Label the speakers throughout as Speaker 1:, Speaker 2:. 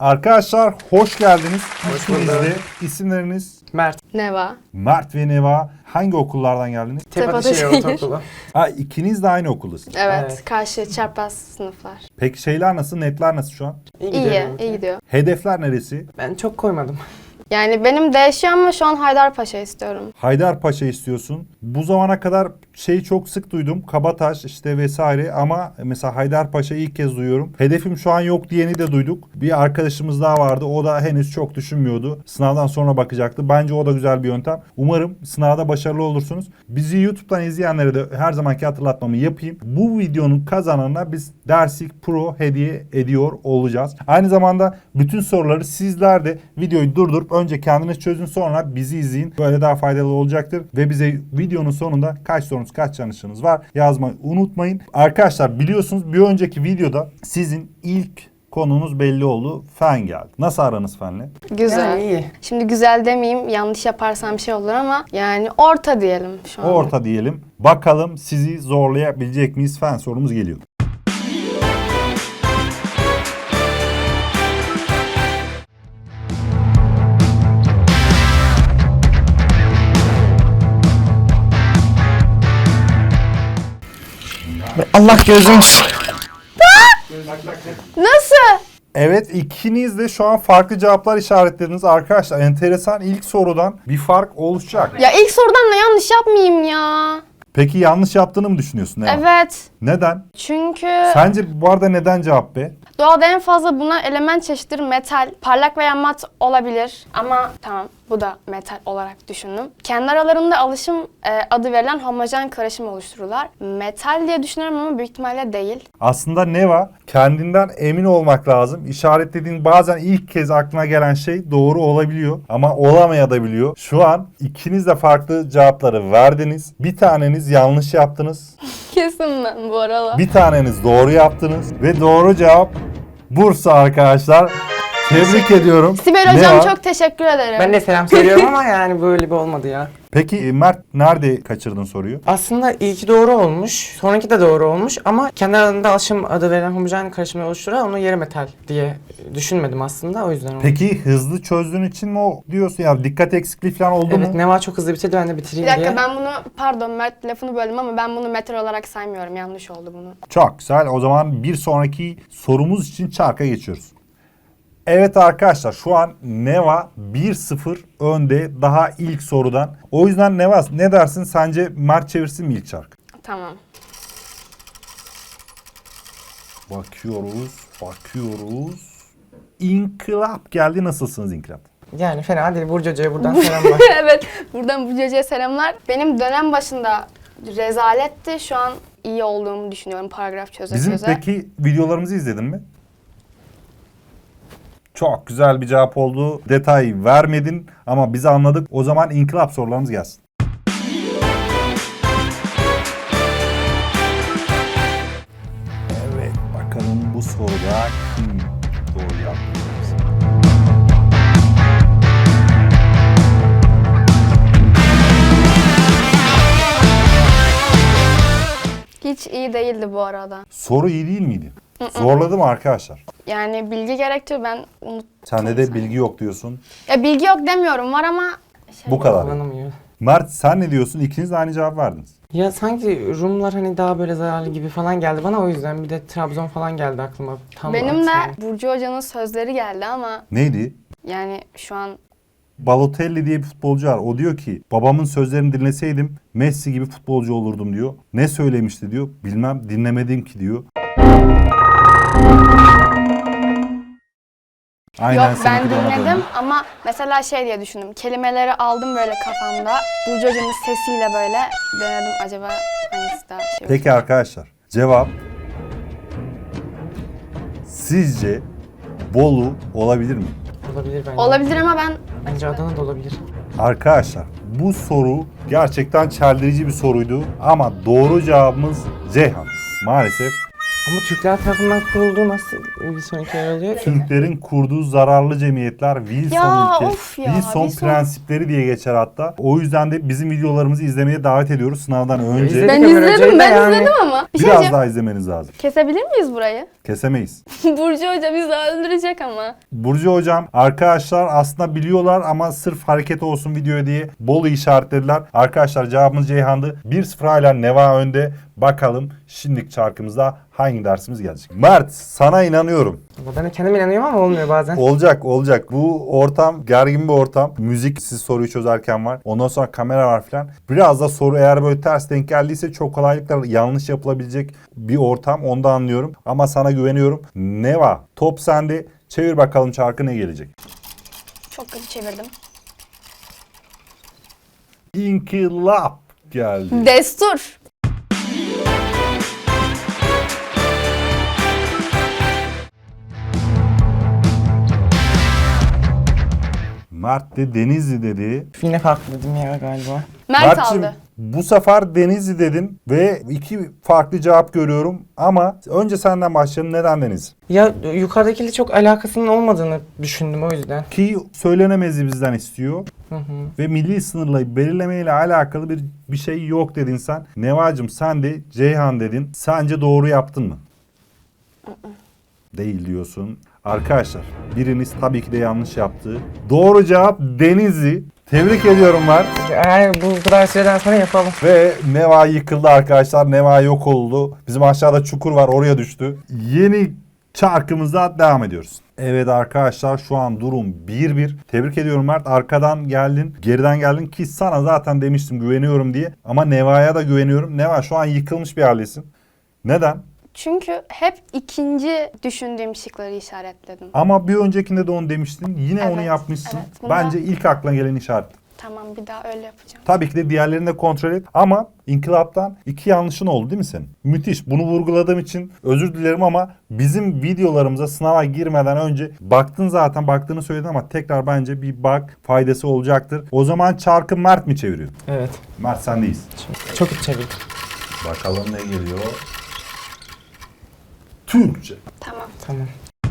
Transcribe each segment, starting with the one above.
Speaker 1: Arkadaşlar hoş geldiniz.
Speaker 2: Hoş
Speaker 1: İkiniz
Speaker 2: bulduk.
Speaker 1: de isimleriniz
Speaker 2: Mert.
Speaker 3: Neva.
Speaker 1: Mert ve Neva. Hangi okullardan geldiniz?
Speaker 2: Tepeşehir
Speaker 3: Tepeşehir.
Speaker 2: Ortaokulu.
Speaker 1: Ha, ikiniz de aynı okuldasınız.
Speaker 3: Evet,
Speaker 2: Evet.
Speaker 3: karşı çarpaz sınıflar.
Speaker 1: Peki şeyler nasıl? Netler nasıl şu an?
Speaker 3: İyi, iyi gidiyor.
Speaker 1: Hedefler neresi?
Speaker 2: Ben çok koymadım.
Speaker 3: Yani benim değişiyor ama şu an Haydarpaşa istiyorum.
Speaker 1: Haydarpaşa istiyorsun. Bu zamana kadar şeyi çok sık duydum. Kabataş işte vesaire ama mesela Haydarpaşa'yı ilk kez duyuyorum. Hedefim şu an yok diyeni de duyduk. Bir arkadaşımız daha vardı. O da henüz çok düşünmüyordu. Sınavdan sonra bakacaktı. Bence o da güzel bir yöntem. Umarım sınavda başarılı olursunuz. Bizi YouTube'dan izleyenlere de her zamanki hatırlatmamı yapayım. Bu videonun kazananına biz Dersik Pro hediye ediyor olacağız. Aynı zamanda bütün soruları sizler de videoyu durdurup önce kendiniz çözün, sonra bizi izleyin. Böyle daha faydalı olacaktır. Ve bize videonun sonunda kaç sorunuz, kaç yanlışınız var yazmayı unutmayın. Arkadaşlar biliyorsunuz bir önceki videoda sizin ilk konunuz belli oldu. Fen geldi. Nasıl aranız fenle?
Speaker 3: Güzel.
Speaker 2: Yani iyi.
Speaker 3: Şimdi güzel demeyeyim, yanlış yaparsam bir şey olur ama yani orta diyelim şu an.
Speaker 1: Orta diyelim. Bakalım sizi zorlayabilecek miyiz? Fen sorumuz geliyor.
Speaker 2: Allah gözüm.
Speaker 3: Nasıl?
Speaker 1: Evet, ikiniz de şu an farklı cevaplar işaretlediniz. Arkadaşlar enteresan, ilk sorudan bir fark oluşacak.
Speaker 3: Ya ilk sorudan da yanlış yapmayayım ya.
Speaker 1: Peki yanlış yaptığını mı düşünüyorsun? Neva?
Speaker 3: Evet.
Speaker 1: Neden?
Speaker 3: Çünkü
Speaker 1: Sence bu arada neden cevap B?
Speaker 3: doğada en fazla bulunan element çeşitleri metal, parlak veya mat olabilir. Ama tamam, bu da metal olarak düşündüm. Kendi aralarında alışım adı verilen homojen karışım oluştururlar. Metal diye düşünüyorum ama büyük ihtimalle değil.
Speaker 1: Aslında Neva, kendinden emin olmak lazım. İşaretlediğin bazen ilk kez aklına gelen şey doğru olabiliyor ama olamayabiliyor. Şu an ikiniz de farklı cevapları verdiniz. Bir taneniz yanlış yaptınız.
Speaker 3: Kesin ben bu aralar.
Speaker 1: Bir taneniz doğru yaptınız ve doğru cevap Bursa arkadaşlar. Tebrik ediyorum.
Speaker 3: Sibel hocam
Speaker 1: Neva,
Speaker 3: çok teşekkür ederim.
Speaker 2: Ben de selam söylüyorum ama yani böyle bir olmadı ya.
Speaker 1: Peki Mert nerede kaçırdın soruyu?
Speaker 2: Aslında ilki doğru olmuş, sonraki de doğru olmuş ama kendi aralarında alışım adı verilen homojen karışımı oluşturan onu yarı metal diye düşünmedim aslında, o yüzden oldu.
Speaker 1: Peki hızlı çözdüğün için mi o diyorsun ya, dikkat eksikliği falan oldu
Speaker 2: Evet,
Speaker 1: mu?
Speaker 2: Neva çok hızlı bitirdi, ben de
Speaker 3: Bir
Speaker 2: bitireyim
Speaker 3: dakika,
Speaker 2: diye.
Speaker 3: ben bunu, pardon Mert lafını böldüm ama ben bunu metal olarak saymıyorum. Yanlış oldu bunu.
Speaker 1: Çok güzel. O zaman bir sonraki sorumuz için çarka geçiyoruz. Evet arkadaşlar, şu an Neva 1-0 önde daha ilk sorudan. O yüzden Neva ne dersin, sence Mert çevirsin mi ilk çarkı?
Speaker 3: Tamam.
Speaker 1: Bakıyoruz. İnkılap geldi. Nasılsınız İnkılap?
Speaker 2: Yani fena değil, Burcu Hoca'ya buradan selamlar.
Speaker 3: Evet, buradan bu ceceye selamlar. Benim dönem başında rezaletti. Şu an iyi olduğumu düşünüyorum paragraf çöze
Speaker 1: Bizim
Speaker 3: çöze.
Speaker 1: peki videolarımızı izledin mi? Çok güzel bir cevap oldu. Detay vermedin ama biz anladık. O zaman inkılap sorularımız gelsin. Evet, bakalım bu soruda kim doğru yaptı?
Speaker 3: Hiç iyi değildi bu arada.
Speaker 1: Soru iyi değil miydi? Zorladı mı arkadaşlar?
Speaker 3: Yani bilgi gerektiriyor, ben unuttum.
Speaker 1: Sende de bilgi yok diyorsun.
Speaker 3: Ya bilgi yok demiyorum, var ama
Speaker 1: Bu kadar.
Speaker 2: Kullanamıyor.
Speaker 1: Mert sen ne diyorsun? İkiniz de aynı cevap verdiniz.
Speaker 2: Ya sanki Rumlar hani daha böyle zararlı gibi falan geldi bana, o yüzden bir de Trabzon falan geldi aklıma. Tam
Speaker 3: benim de
Speaker 2: aksine.
Speaker 3: Burcu Hoca'nın sözleri geldi ama
Speaker 1: Neydi?
Speaker 3: yani şu an
Speaker 1: Balotelli diye bir futbolcu var. O diyor ki babamın sözlerini dinleseydim Messi gibi futbolcu olurdum diyor. Ne söylemişti diyor. Bilmem, dinlemedim ki diyor. Aynen,
Speaker 3: yok, ben
Speaker 1: seninki de ona
Speaker 3: dinledim
Speaker 1: döndü.
Speaker 3: ama mesela şey diye düşündüm. Kelimeleri aldım böyle kafamda. Burcu Hoca'nın sesiyle böyle denedim, acaba hangisi daha şey.
Speaker 1: Peki arkadaşlar, cevap sizce Bolu olabilir mi?
Speaker 2: Olabilir bence.
Speaker 3: Olabilir ama ben
Speaker 2: Bence Adana da olabilir.
Speaker 1: Arkadaşlar bu soru gerçekten çeldirici bir soruydu ama doğru cevabımız Ceyhan. Maalesef
Speaker 2: Ama Türkler tarafından kurulduğu nasıl bir sonraki yer alıyor ki?
Speaker 1: Türklerin kurduğu zararlı cemiyetler Wilson
Speaker 3: Ya,
Speaker 1: ilke,
Speaker 3: of ya,
Speaker 1: Wilson
Speaker 3: Wilson.
Speaker 1: prensipleri diye geçer hatta. O yüzden de bizim videolarımızı izlemeye davet ediyoruz sınavdan önce.
Speaker 2: İzledik.
Speaker 3: Ben
Speaker 2: Ömer
Speaker 3: izledim,
Speaker 2: Hoca'yı da
Speaker 3: ben
Speaker 2: yani-
Speaker 3: izledim ama. Bir şey
Speaker 1: Biraz
Speaker 3: diyeceğim.
Speaker 1: daha izlemeniz lazım.
Speaker 3: Kesebilir miyiz burayı?
Speaker 1: Kesemeyiz.
Speaker 3: Burcu Hoca bizi öldürecek ama.
Speaker 1: Burcu hocam arkadaşlar aslında biliyorlar ama sırf hareket olsun videoya diye Bolu işaretlediler. Arkadaşlar cevabımız Ceyhan'dı. 1-0 hala Neva önde. Bakalım şimdiki çarkımızda hangi dersimiz gelecek? Mert sana inanıyorum.
Speaker 2: Ama ben de kendim inanıyorum ama olmuyor bazen.
Speaker 1: Olacak. Bu ortam gergin bir ortam. Müzik siz soruyu çözerken var. Ondan sonra kamera var filan. Biraz da soru eğer böyle ters denk geldiyse çok kolaylıkla yanlış yapılabilecek bir ortam. Onu da anlıyorum. Ama sana güveniyorum. Neva top sende. Çevir bakalım çarkı ne gelecek?
Speaker 3: Çok kötü çevirdim.
Speaker 1: İnkılap geldi.
Speaker 3: Destur.
Speaker 1: Mert de Denizli dedi.
Speaker 2: Yine farklı dedim ya galiba.
Speaker 3: Mert
Speaker 1: Mert'cim,
Speaker 3: aldı.
Speaker 1: bu sefer Denizli dedin ve iki farklı cevap görüyorum. Ama önce senden başlayalım. Neden Denizli?
Speaker 2: Ya yukarıdakiyle çok alakasının olmadığını düşündüm o yüzden.
Speaker 1: Ki söylenemezi bizden istiyor.
Speaker 2: Hı hı.
Speaker 1: Ve milli sınırla belirlemeyle alakalı bir şey yok dedin sen. Nevacım sen de Ceyhan dedin. Sence doğru yaptın mı? Değil diyorsun. Arkadaşlar biriniz tabii ki de yanlış yaptı. Doğru cevap Denizli. Tebrik ediyorum Mert.
Speaker 2: Yani bu kadar süreden sonra yapalım.
Speaker 1: Ve Neva yıkıldı arkadaşlar. Neva yok oldu. Bizim aşağıda çukur var oraya düştü. Yeni çarkımıza devam ediyoruz. Evet arkadaşlar şu an durum 1-1. Tebrik ediyorum Mert. Arkadan geldin, geriden geldin ki sana zaten demiştim güveniyorum diye. Ama Neva'ya da güveniyorum. Neva şu an yıkılmış bir haldesin. Neden?
Speaker 3: Çünkü hep ikinci düşündüğüm şıkları işaretledim.
Speaker 1: Ama bir öncekinde de onu demiştin. Yine onu
Speaker 3: Evet,
Speaker 1: yapmışsın.
Speaker 3: evet. Bunda-
Speaker 1: Bence ilk aklına gelen işaret.
Speaker 3: Tamam, bir daha öyle yapacağım.
Speaker 1: Tabii ki de diğerlerini de kontrol et. Ama inkılaptan 2 yanlışın oldu değil mi senin? Müthiş. Bunu vurguladığım için özür dilerim ama bizim videolarımıza sınava girmeden önce baktın zaten baktığını söyledin ama tekrar bence bir bak faydası olacaktır. O zaman çarkı Mert mi çeviriyor?
Speaker 2: Evet.
Speaker 1: Mert sendeyiz.
Speaker 2: Çok iyi çevirdim.
Speaker 1: Bakalım ne geliyor? Türkçe.
Speaker 3: Tamam.
Speaker 2: Tamam.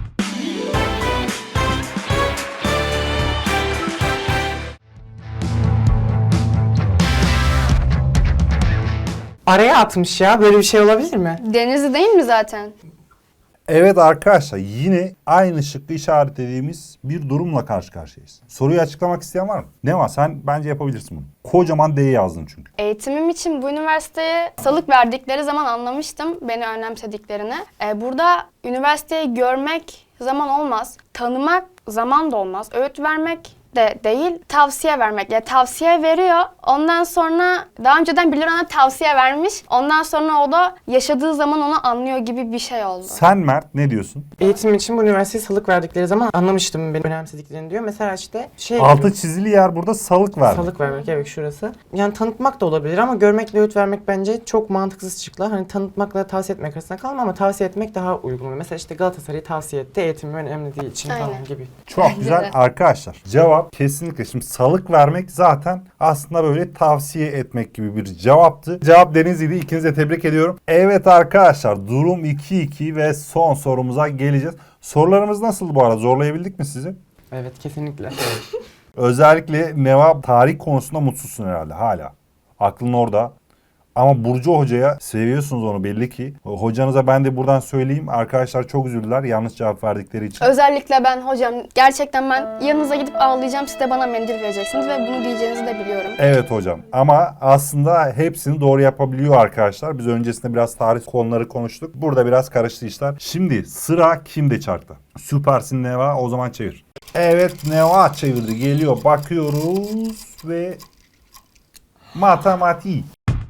Speaker 2: Araya atmış ya. Böyle bir şey olabilir mi?
Speaker 3: Denizli değil mi zaten?
Speaker 1: Evet arkadaşlar yine aynı şıkkı işaretlediğimiz bir durumla karşı karşıyayız. Soruyu açıklamak isteyen var mı? Ne var? Sen bence yapabilirsin bunu. Kocaman D yazdın çünkü.
Speaker 3: Eğitimim için bu üniversiteye salık verdikleri zaman anlamıştım beni önemsediklerini. Burada üniversiteyi görmek zaman olmaz, tanımak zaman da olmaz, öğüt vermek de değil, tavsiye vermek. Yani tavsiye veriyor, ondan sonra daha önceden birileri ona tavsiye vermiş, ondan sonra o da yaşadığı zaman onu anlıyor gibi bir şey oldu.
Speaker 1: Sen Mert ne diyorsun?
Speaker 2: Eğitim için bu üniversiteye salık verdikleri zaman anlamıştım beni önemsediklerini diyor. Mesela işte şey
Speaker 1: Altı çizili yer burada salık var.
Speaker 2: salık vermek evet şurası. Yani tanıtmak da olabilir ama görmekle öğüt vermek bence çok mantıksız şıklar. Hani tanıtmakla tavsiye etmek arasında kalma ama tavsiye etmek daha uygun. Mesela işte Galatasaray'ı tavsiye etti eğitimi önemli değil için
Speaker 3: Aynen.
Speaker 2: falan gibi.
Speaker 1: Çok
Speaker 3: Bence
Speaker 1: güzel
Speaker 3: de.
Speaker 1: arkadaşlar. Cevap kesinlikle. Şimdi salık vermek zaten aslında böyle tavsiye etmek gibi bir cevaptı. Cevap Denizli'ydi. İkinizi de tebrik ediyorum. Evet arkadaşlar durum 2-2 ve son sorumuza geleceğiz. Sorularımız nasıldı bu arada? Zorlayabildik mi sizi?
Speaker 2: Evet kesinlikle.
Speaker 1: Özellikle Neva tarih konusunda mutsuzsun herhalde hala. Aklın orada. Ama Burcu Hoca'ya seviyorsunuz onu belli ki. Hocanıza ben de buradan söyleyeyim. Arkadaşlar çok üzüldüler yanlış cevap verdikleri için.
Speaker 3: Özellikle ben hocam, gerçekten ben yanınıza gidip ağlayacağım, siz de bana mendil vereceksiniz ve bunu diyeceğinizi de biliyorum.
Speaker 1: Evet hocam ama aslında hepsini doğru yapabiliyor arkadaşlar. Biz öncesinde biraz tarih konuları konuştuk. Burada biraz karıştı işler. Şimdi sıra kimde çarkta? Süpersin Neva, o zaman çevir. Evet Neva çevirdi, geliyor, bakıyoruz ve matematik.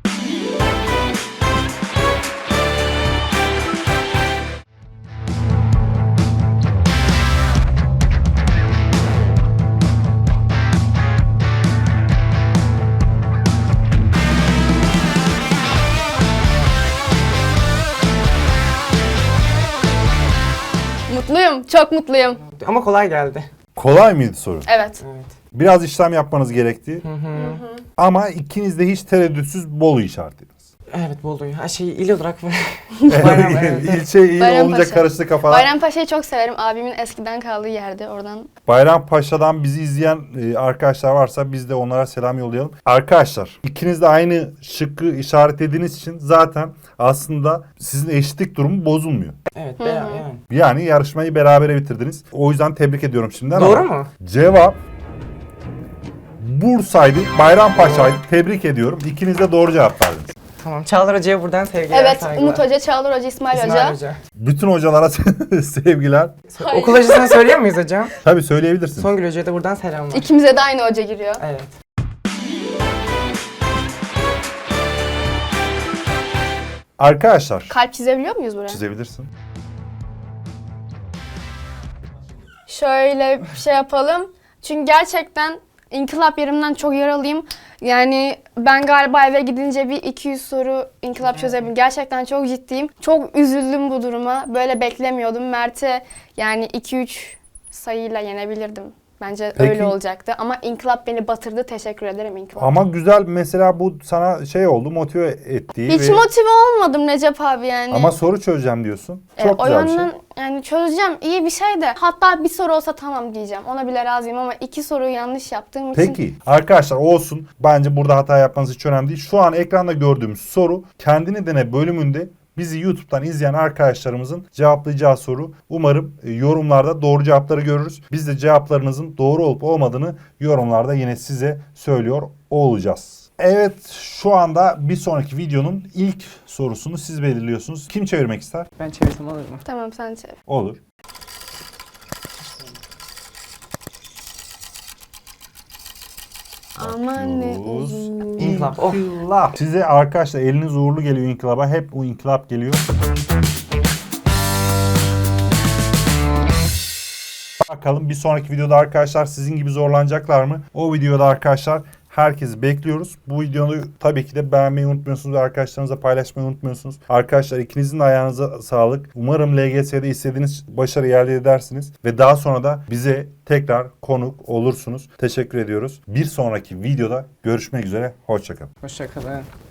Speaker 3: Mutluyum, çok mutluyum.
Speaker 2: Ama kolay geldi.
Speaker 1: Kolay mıydı soru?
Speaker 3: Evet.
Speaker 2: Evet.
Speaker 1: Biraz işlem yapmanız gerekti.
Speaker 2: Hı hı.
Speaker 1: Ama ikiniz de hiç tereddütsüz Bolu işaretlediniz.
Speaker 2: Evet Bolu'yu. Ha şey il olarak Bayram, evet.
Speaker 1: İlçe il olunca
Speaker 3: Bayrampaşa.
Speaker 1: karıştı kafalar.
Speaker 3: Bayrampaşa'yı çok severim. Abimin eskiden kaldığı yerde. Oradan
Speaker 1: Bayrampaşa'dan bizi izleyen arkadaşlar varsa biz de onlara selam yollayalım. Arkadaşlar ikiniz de aynı şıkkı işaretlediğiniz için zaten aslında sizin eşitlik durumu bozulmuyor.
Speaker 2: Evet Bayram yani.
Speaker 1: Yani yarışmayı berabere bitirdiniz. O yüzden tebrik ediyorum şimdiden.
Speaker 2: Doğru
Speaker 1: ama
Speaker 2: mu?
Speaker 1: Cevap Bursa'ydı, Bayrampaşa'ydı. Tebrik ediyorum. İkiniz de doğru cevap verdiniz.
Speaker 2: Tamam. Çağlar Hoca'ya buradan sevgiler,
Speaker 3: evet,
Speaker 2: saygılar.
Speaker 3: Umut Hoca, Çağlar Hoca, İsmail Hoca.
Speaker 2: İsmail Hoca.
Speaker 1: Bütün hocalara sevgiler.
Speaker 3: Hayır.
Speaker 2: Okul hocasını söylüyor muyuz hocam?
Speaker 1: Tabii söyleyebilirsiniz.
Speaker 2: Songül Hoca'ya da buradan selamlar.
Speaker 3: İkimize de aynı hoca giriyor.
Speaker 2: Evet.
Speaker 1: Arkadaşlar
Speaker 3: Kalp çizebiliyor muyuz buraya?
Speaker 1: çizebilirsin.
Speaker 3: Şöyle bir şey yapalım. Çünkü gerçekten inkılap yerimden çok yaralıyım. Yani ben galiba eve gidince bir 200 soru inkılap çözebilirim. Gerçekten çok ciddiyim. Çok üzüldüm bu duruma. Böyle beklemiyordum. Mert'e yani 2-3 sayıyla yenebilirdim. Bence
Speaker 1: Peki.
Speaker 3: öyle olacaktı. Ama inkılap beni batırdı. Teşekkür ederim inkılap.
Speaker 1: Ama güzel mesela bu sana şey oldu, motive ettiği
Speaker 3: Hiç
Speaker 1: ve...
Speaker 3: motive olmadım Recep abi yani.
Speaker 1: Ama soru çözeceğim diyorsun. Çok
Speaker 3: o
Speaker 1: güzel bir şey.
Speaker 3: yönden yani çözeceğim, iyi bir şey de. Hatta bir soru olsa tamam diyeceğim. Ona bile razıyım ama 2 soruyu yanlış yaptığım için.
Speaker 1: Peki arkadaşlar olsun. Bence burada hata yapmanız hiç önemli değil. Şu an ekranda gördüğümüz soru Kendini Dene bölümünde bizi YouTube'dan izleyen arkadaşlarımızın cevaplayacağı soru. Umarım yorumlarda doğru cevapları görürüz. Biz de cevaplarınızın doğru olup olmadığını yorumlarda yine size söylüyor olacağız. Evet, şu anda bir sonraki videonun ilk sorusunu siz belirliyorsunuz. Kim çevirmek ister?
Speaker 2: Ben çevirsem olur mu?
Speaker 3: Tamam, sen çevir.
Speaker 1: Olur.
Speaker 3: Aman ne
Speaker 1: Bakıyoruz.
Speaker 3: uzun.
Speaker 2: İnkılap. Oh.
Speaker 1: İnkılap. Size arkadaşlar eliniz uğurlu geliyor inkılaba. Hep bu inkılap geliyor. Bakalım bir sonraki videoda arkadaşlar sizin gibi zorlanacaklar mı? O videoda arkadaşlar herkesi bekliyoruz. Bu videoyu tabii ki de beğenmeyi unutmuyorsunuz ve arkadaşlarınızla paylaşmayı unutmuyorsunuz. Arkadaşlar ikinizin de ayağınıza sağlık. Umarım LGS'de istediğiniz başarıyı elde edersiniz. Ve daha sonra da bize tekrar konuk olursunuz. Teşekkür ediyoruz. Bir sonraki videoda görüşmek üzere. Hoşçakalın.
Speaker 2: Hoşçakalın.